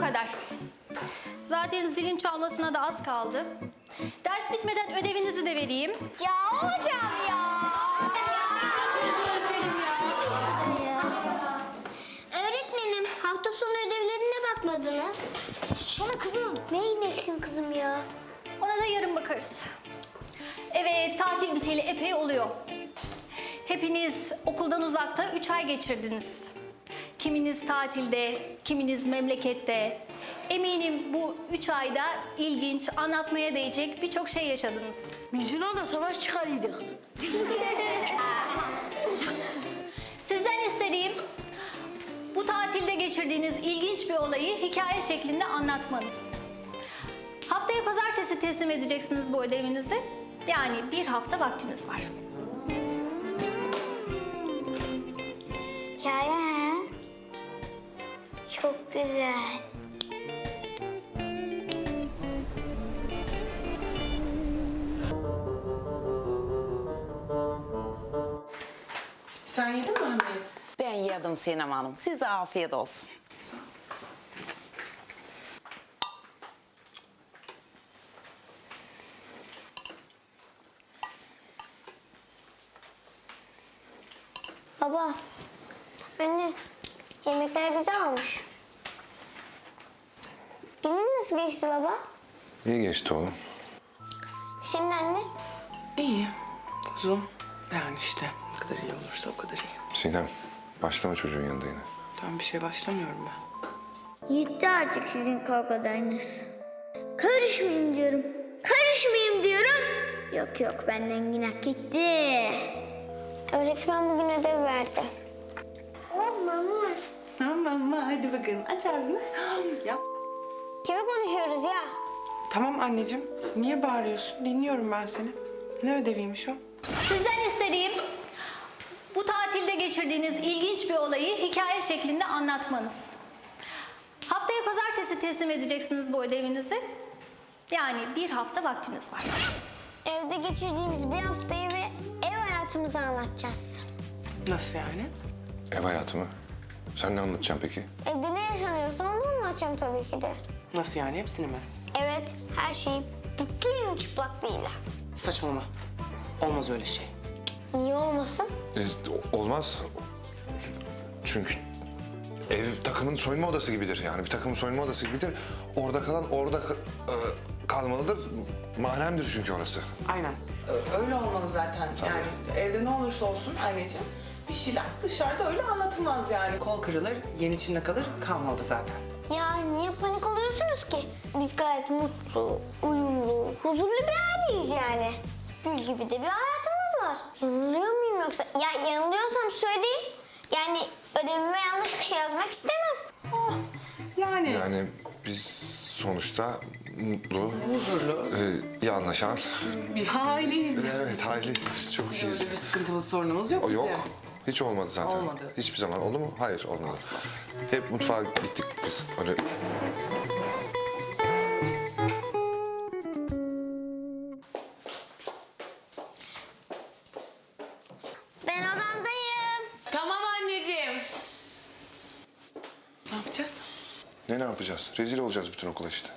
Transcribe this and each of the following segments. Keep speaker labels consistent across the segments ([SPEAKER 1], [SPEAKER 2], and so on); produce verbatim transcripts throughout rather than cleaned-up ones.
[SPEAKER 1] kadar. Zaten zilin çalmasına da az kaldı. Ders bitmeden ödevinizi de vereyim.
[SPEAKER 2] Ya hocam ya. Öğretmenim, hafta sonu ödevlerine bakmadınız.
[SPEAKER 1] Sana kızım.
[SPEAKER 2] Neyin eksim kızım ya?
[SPEAKER 1] Ona da yarın bakarız. Evet, tatil biteli epey oluyor. Hepiniz okuldan uzakta üç ay geçirdiniz. Kiminiz tatilde, kiminiz memlekette. Eminim bu üç ayda ilginç, anlatmaya değecek birçok şey yaşadınız.
[SPEAKER 3] Biz Yunan'da savaş çıkarıyorduk.
[SPEAKER 1] Sizden istediğim bu tatilde geçirdiğiniz ilginç bir olayı hikaye şeklinde anlatmanız. Haftaya pazartesi teslim edeceksiniz bu ödevinizi. Yani bir hafta vaktiniz var.
[SPEAKER 2] Hikaye ha? Çok güzel.
[SPEAKER 4] Sen yedin mi Ahmet?
[SPEAKER 5] Ben yedim Sinem Hanım. Size afiyet olsun.
[SPEAKER 4] Sağ ol.
[SPEAKER 2] Baba, anne, yemekler güzel olmuş. Günün nasıl geçti baba?
[SPEAKER 6] İyi geçti oğlum.
[SPEAKER 2] Senin anne?
[SPEAKER 4] İyi. Kuzum. Yani işte ne kadar iyi olursa o kadar iyi.
[SPEAKER 6] Sinem, başlama çocuğun yanında yine.
[SPEAKER 4] Tam bir şey başlamıyorum ben.
[SPEAKER 2] Yetti artık sizin kavgalarınız. Karışmayayım diyorum. Karışmayayım diyorum. Yok yok, benden günah gitti. Öğretmen bugün ödev verdi. Oh mama.
[SPEAKER 4] Tamam hadi bakalım aç ağzını. Yap.
[SPEAKER 2] Kime konuşuyoruz ya?
[SPEAKER 4] Tamam anneciğim. Niye bağırıyorsun? Dinliyorum ben seni. Ne ödeviymiş o?
[SPEAKER 1] Sizden istediğim bu tatilde geçirdiğiniz ilginç bir olayı hikaye şeklinde anlatmanız. Haftaya pazartesi teslim edeceksiniz bu ödevinizi. Yani bir hafta vaktiniz var.
[SPEAKER 2] Evde geçirdiğimiz bir haftayı ve ev hayatımızı anlatacağız.
[SPEAKER 4] Nasıl yani?
[SPEAKER 6] Ev hayatı mı? Sen ne anlatacaksın peki?
[SPEAKER 2] Evde ne yaşanıyorsa onu anlatacağım tabii ki de.
[SPEAKER 4] Nasıl yani? Hepsini mi?
[SPEAKER 2] Evet, her şeyi bütün çıplaklığıyla.
[SPEAKER 4] Saçmalama. Olmaz öyle şey.
[SPEAKER 2] Niye olmasın?
[SPEAKER 6] E, olmaz. Çünkü ev takımın soyunma odası gibidir. Yani bir takımın soyunma odası gibidir. Orada kalan orada ka- e, kalmalıdır. Mahremdir çünkü orası.
[SPEAKER 4] Aynen. Ö- Öyle olmalı zaten. Yani evde ne olursa olsun anneciğim bir şeyler dışarıda öyle anlatılmaz yani. Kol kırılır, yen içinde kalır, kalmalı zaten.
[SPEAKER 2] Ya niye panik oluyorsunuz ki? Biz gayet mutlu, uyumlu, huzurlu bir aileyiz yani. Gül gibi de bir hayatımız var. Yanılıyor muyum yoksa? Ya yanılıyorsam söyleyin. Yani ödevime yanlış bir şey yazmak istemem.
[SPEAKER 4] Oh, yani,
[SPEAKER 6] Yani biz sonuçta mutlu,
[SPEAKER 4] huzurlu
[SPEAKER 6] e, iyi anlaşan.
[SPEAKER 4] bir aileyiz.
[SPEAKER 6] Evet, aileyiz biz çok iyiyiz.
[SPEAKER 4] Öyle bir sıkıntımız, sorunumuz yok
[SPEAKER 6] O
[SPEAKER 4] bize.
[SPEAKER 6] yok. Hiç olmadı zaten.
[SPEAKER 4] Olmadı.
[SPEAKER 6] Hiçbir zaman oldu mu? Hayır, olmadı. Hep mutfağa gittik biz. Öyle
[SPEAKER 2] Ben odamdayım.
[SPEAKER 4] Tamam anneciğim. Ne yapacağız?
[SPEAKER 6] ne ne yapacağız? Rezil olacağız bütün okula işte.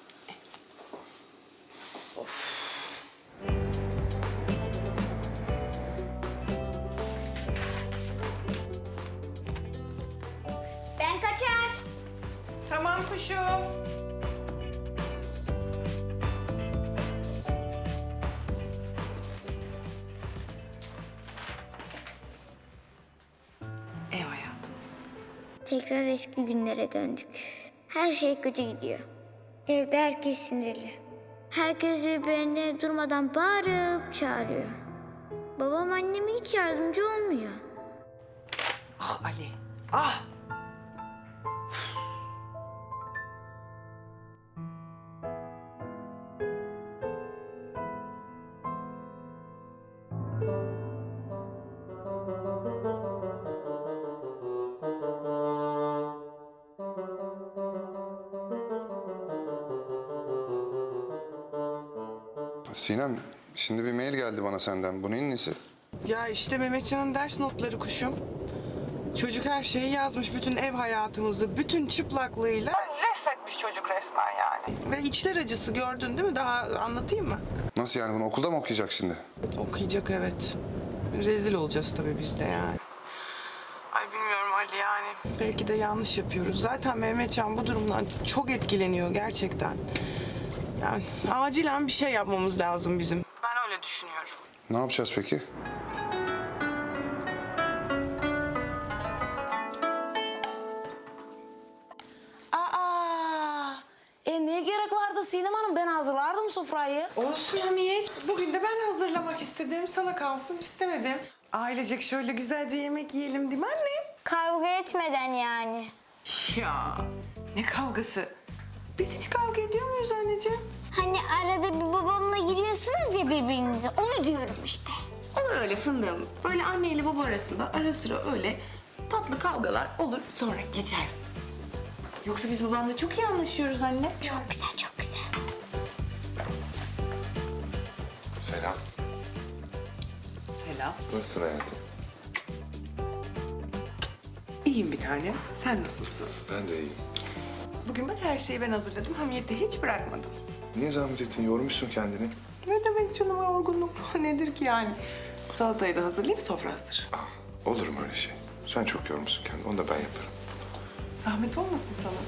[SPEAKER 2] Ben kaçar.
[SPEAKER 4] Tamam kuşum. Ev hayatımız.
[SPEAKER 2] Tekrar eski günlere döndük. Her şey kötü gidiyor. Evde herkes sinirli. Herkes birbirine durmadan bağırıp çağırıyor. Babam anneme hiç yardımcı olmuyor.
[SPEAKER 4] Ah Ali, ah!
[SPEAKER 6] Sinem, şimdi bir mail geldi bana senden. Bu neyin nesi?
[SPEAKER 4] Ya işte Mehmetcan'ın ders notları kuşum. Çocuk her şeyi yazmış, bütün ev hayatımızı, bütün çıplaklığıyla resmetmiş çocuk resmen yani. Ve içler acısı, gördün değil mi? Daha anlatayım mı?
[SPEAKER 6] Nasıl yani, bunu okulda mı okuyacak şimdi?
[SPEAKER 4] Okuyacak, evet. Rezil olacağız tabii biz de yani. Ay bilmiyorum Ali, yani belki de yanlış yapıyoruz. Zaten Mehmetcan bu durumdan çok etkileniyor gerçekten. Yani acilen bir şey yapmamız lazım bizim. Ben öyle düşünüyorum.
[SPEAKER 6] Ne yapacağız peki?
[SPEAKER 5] Aa, e ne gerek vardı Sinem Hanım? Ben hazırlardım sofrayı.
[SPEAKER 4] Olsun Hamiyet. Bugün de ben hazırlamak istedim. Sana kalsın istemedim. Ailecek şöyle güzelce yemek yiyelim değil mi anne?
[SPEAKER 2] Kavga etmeden yani.
[SPEAKER 4] Ya ne kavgası? Biz hiç kavga ediyor muyuz anneciğim?
[SPEAKER 2] Hani arada bir babamla giriyorsunuz ya birbirinize. Onu diyorum işte.
[SPEAKER 4] Olur öyle fındığım. Böyle anne ile baba arasında ara sıra öyle tatlı kavgalar olur, sonra geçer. Yoksa biz babanla çok iyi anlaşıyoruz anne.
[SPEAKER 2] Çok güzel, çok güzel.
[SPEAKER 6] Selam.
[SPEAKER 4] Selam.
[SPEAKER 6] Nasılsın hayatım?
[SPEAKER 4] İyiyim bir tane. Sen nasılsın?
[SPEAKER 6] Ben de iyiyim.
[SPEAKER 4] Bugün bak her şeyi ben hazırladım. Hamiyet'i hiç bırakmadım.
[SPEAKER 6] Niye zahmet ettin? Yormuşsun kendini.
[SPEAKER 4] Ne demek canım, yorgunluk nedir ki yani? Salatayı da hazırlayayım, sofra hazır.
[SPEAKER 6] Ah, olur mu öyle şey? Sen çok yormuşsun kendini. Onu da ben yaparım.
[SPEAKER 4] Zahmet olmasın sana.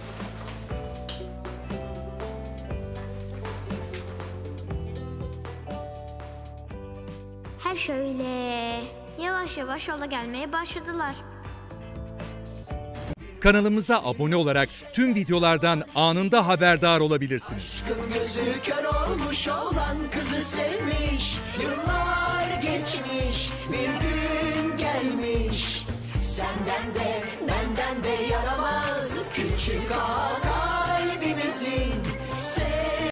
[SPEAKER 2] Ha şöyle. Yavaş yavaş yola gelmeye başladılar.
[SPEAKER 7] Kanalımıza abone olarak tüm videolardan anında haberdar olabilirsiniz.
[SPEAKER 8] Gözü kör olmuş olan kızı sevmiş. Yıllar geçmiş, bir gün gelmiş. Senden de benden de yaramaz küçük ağa.